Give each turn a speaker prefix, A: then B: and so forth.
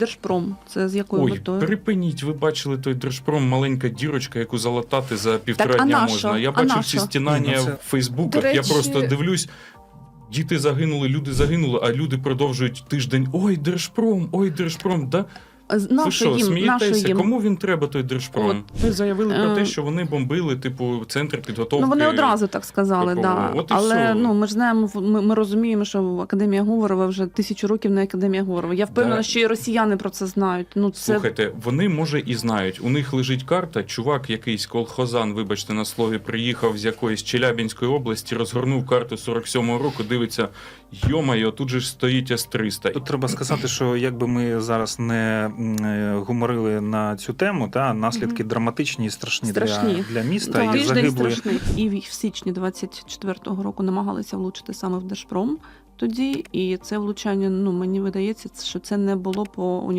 A: Держпром. Це з якою
B: Ой,
A: метою?
B: припиніть, ви бачили той Держпром, маленька дірочка, яку залатати за півтора
A: Так, а
B: дня
A: нащо?
B: можна. Я
A: А
B: бачив
A: нащо?
B: ці стінання
C: Ну, це-
B: в Фейсбуках,
C: До речі-
B: я просто дивлюсь, діти загинули, люди загинули, а люди продовжують тиждень, ой, Держпром, да? Ви
A: Нащо
B: що,
A: їм? Нащо
B: смієтеся?
A: їм?
B: Кому він треба, той Держпром? Ми заявили про те, що вони бомбили, типу, центр підготовки.
A: Ну, вони одразу так сказали,
B: ППО.
A: да.
B: От і
A: Але
B: все.
A: ну, ми ж знаємо, ми розуміємо, що Академія Говорова вже 1000 років не Академія Говорова. Я впевнена,
B: Да.
A: що і росіяни про це знають. Ну, це...
B: Слухайте, вони, може, і знають. У них лежить карта, чувак якийсь колхозан, вибачте на слові, приїхав з якоїсь Челябинської області, розгорнув карту 47-го року, дивиться, йо-майо, тут же ж стоїть С-300.
C: Тут треба сказати, що якби ми зараз не гуморили на цю тему, та наслідки драматичні і страшні. Для міста.
A: Так,
C: І
A: тиждень
C: загибли
A: страшний. І в січні 24-го року намагалися влучити саме в Держпром тоді. І це влучання, ну, мені видається, що це не було по